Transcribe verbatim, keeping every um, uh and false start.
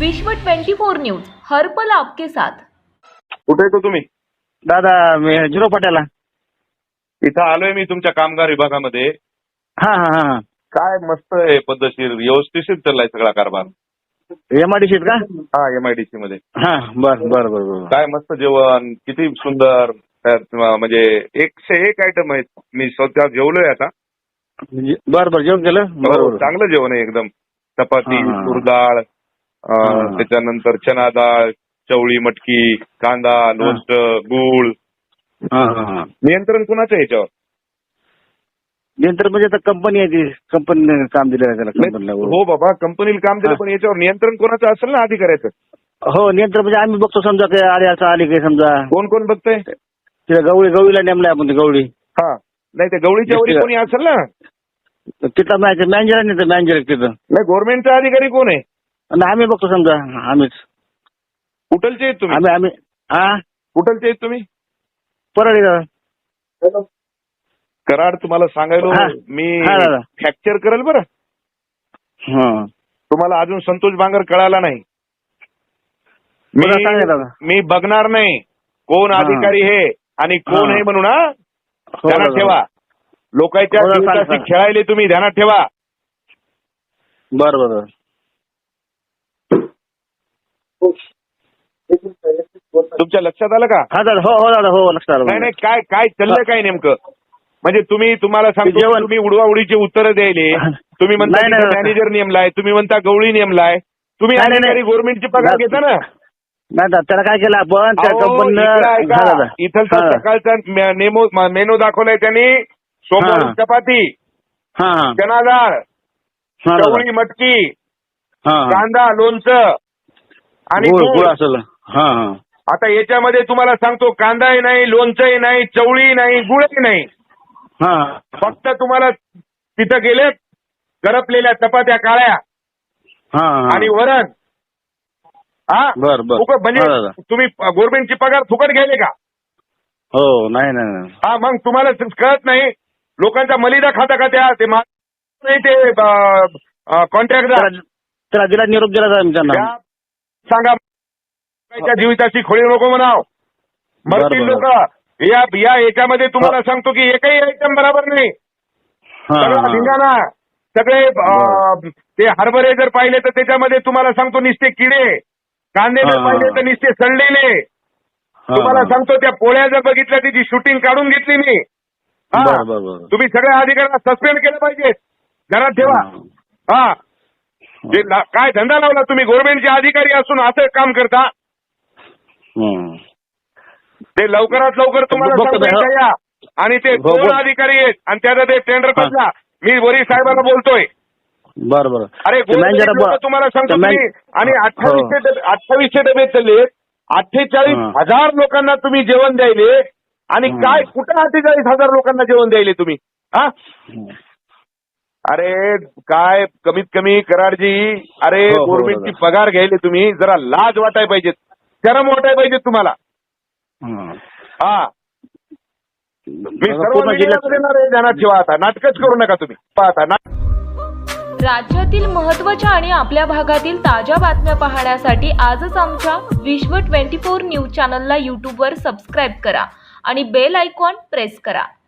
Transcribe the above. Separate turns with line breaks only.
विश्व twenty four news हर पल आपके साथ।
कुठे येतो तुम्ही?
दादा मी झिरो पट्याला
इथं आलोय मी तुमच्या कामगार विभागामध्ये.
हा हा हा
काय मस्त आहे, पद्धतशीर व्यवस्थित चाललाय सगळा कारभार.
एमआयडीसीत का?
हा एमआयडीसी मध्ये.
हा बर बर बर बर
काय मस्त जेवण, किती सुंदर. त्यात म्हणजे एकशे एक आयटम आहेत. मी स्वतः जेवलोय आता.
बर बर जेवण केलं
हो,
बरोबर.
चांगलं जेवण आहे एकदम. चपाती,
हा, हा.
तूर डाळ,
हा.
त्याच्यानंतर चना डाळ, चवळी मटकी, कांदा, लोणचं, गूळ.
हा हा हा
नियंत्रण कुणाचं आहे याच्यावर?
नंतर म्हणजे आता कंपनी आहे ती कंपनीने काम दिलं आहे त्याला कंपनीला.
हो बाबा, कंपनीला काम दिलं, पण याच्यावर नियंत्रण कोणाचं असेल ना अधिकाऱ्याचं.
हो नियंत्रण म्हणजे आम्ही बघतो समजा काय आले असं आले काही समजा.
कोण कोण बघतंय?
तिला गवळी गवळीला नेमलाय आपण ती गवळी.
हा नाही, ते गवळीच्या वरी कोणी असेल ना.
तिथला मॅनेजर मॅनेजर नाही तर मॅनेजर तिथं
नाही, गव्हर्नमेंटचा अधिकारी कोण आहे?
आणि आम्ही बघतो समजा आम्हीच.
कुठलचे आहेत तुम्ही?
आम्ही आम्ही हा
कुठलचे आहेत तुम्ही?
परळी दादा.
कराड. तुम्हाला सांगायलो
हा.
मी
हा दादा.
फ्रॅक्चर करेल बरं.
हा
तुम्हाला अजून संतोष बांगर कळाला नाही.
मला सांगा दादा.
मी मी बघणार नाही कोण
हा.
अधिकारी हे आणि कोण
हा.
आहे म्हणून. हा
हो
ध्यानात
दादा.
ठेवा. लोकांच्या
हो दादा, सांगा,
जीविताशी
सांगा.
खेळायले तुम्ही, ध्यानात ठेवा.
बर बर
तुमच्या लक्षात आलं का?
हा दादा. हो हो दादा. हो लक्षात आलं.
नाही नाही, काय काय चाललंय काय नेमकं? म्हणजे तुम्ही तुम्हाला सांगतो,
जेवण-
तुम्ही उडवाउडीची उत्तरं द्यायले. तुम्ही म्हणता
नाही, नाही.
मॅनेजर नेमलाय, तुम्ही म्हणता गवळी नेमलाय. तुम्ही
नाही, नाही,
अधिकारी
नाही.
गव्हर्नमेंटची पगार
नाही.
घेता ना.
नाही दादा त्याला काय केलं आपण त्या
अहो,
कंपनीनं.
इकडं
हा
ऐका.
दादा.
इथलचा
हा.
सकाळचा मे- नेमो मेनू दाखवलाय त्यांनी. सोमवारी
हा.
चपाती,
हा हा
चना डाळ,
हा दादा.
चवळी मटकी,
हा हा.
कांदा, लोणचं आणि
गुळ
गूळ.
गुळ असेल. हा हा
आता याच्यामध्ये तुम्हाला सांगतो, कांदाही नाही, लोणचंही नाही, चवळी नाही, गुळही नाही.
हा
फक्त तुम्हाला तिथं गेले करपलेल्या चपात्या काळ्या
हा हा.
आणि वरण. हा
बर बर.
फुकट. म्हणजे
हा दादा.
तुम्ही गव्हर्नमेंटची पगार फुकट घ्यायले का?
हो नाही नाही नाही.
हा मग तुम्हाला कळत नाही. लोकांचा मलिदा खाता का त्या ते मा- नाही ते कॉन्ट्रॅक्टदार.
त्याला त्याला दिला निरोप दिला जाईल त्यांना.
त्या सांगा, लोकांच्या जीविताची खोळी नको म्हणाव. मरतील
बरं,
लोक.
बरं.
या या याच्यामध्ये तुम्हाला सांगतो की एकही आयटम बरोबर नाही.
हा
सगळा
हा.
धिंगाणा. सगळे अं, ते हरभरे जर पाहिले तर त्याच्यामध्ये तुम्हाला सांगतो निस्ते किडे. कांदे जर
हा,
पाहिले
हा.
तर निस्ते सडलेले.
हा,
तुम्हाला
हा.
सांगतो त्या पोळ्या जर बघितल्या त्याची शूटिंग काढून घेतली मी. हा.
बरं, बरं, बरं.
तुम्ही सगळ्या अधिकाऱ्यांना सस्पेंड केलं पाहिजे. घरात ठेवा.
हा.
हा जे ला- काय धंदा लावला तुम्ही? गव्हर्नमेंटचे अधिकारी असून असं काम करता.
हम्म.
ते लवकरात लवकर तुम्हाला
बघतो
सांगतो
मी,
इथं या. आणि ते
हो,
दोन
बघ.
अधिकारी आहेत आणि त्याचा ते टेंडर
हा.
बदला. मी वरी साहेबांना बोलतोय.
बरं बरं.
अरे
ते मॅनेजर
गोरगरीब लोकं तुम्हाला सांगतो
ते मॅन-
तुम्ही. आणि
हो.
अठ्ठावीसशे डबे अठ्ठावीसशे डबे चालले. अठ्ठेचाळीस
हा.
हजार लोकांना तुम्ही जेवण द्यायले. आणि
हा.
काय कुठं अठ्ठेचाळीस हजार लोकांना जेवण द्यायले तुम्ही? हा
हम्म.
अरे काय कमीत कमी कराडजी. अरे
हो, हो,
गव्हर्नमेंटची
दादा.
पगार घ्यायले तुम्ही. जरा लाज वाटाय पाहिजेत, शरम वाटाय पाहिजेत तुम्हाला.
हम्म.
हा मी
दादा,
सर्व
पूर्ण
मीडियामध्ये
जिल्ह्यात
देणार आहे. ध्यानात ठेवा. आता नाटकच करू नका तुम्ही. पाहता ना.
राज्यातील महत्त्वाच्या आणि आपल्या भागातील ताज्या बातम्या पाहण्यासाठी आजच आमच्या विश्व ट्वेंटी फोर न्यूज चॅनलला यूट्यूबवर सबस्क्राईब करा आणि बेल आयकॉन प्रेस करा.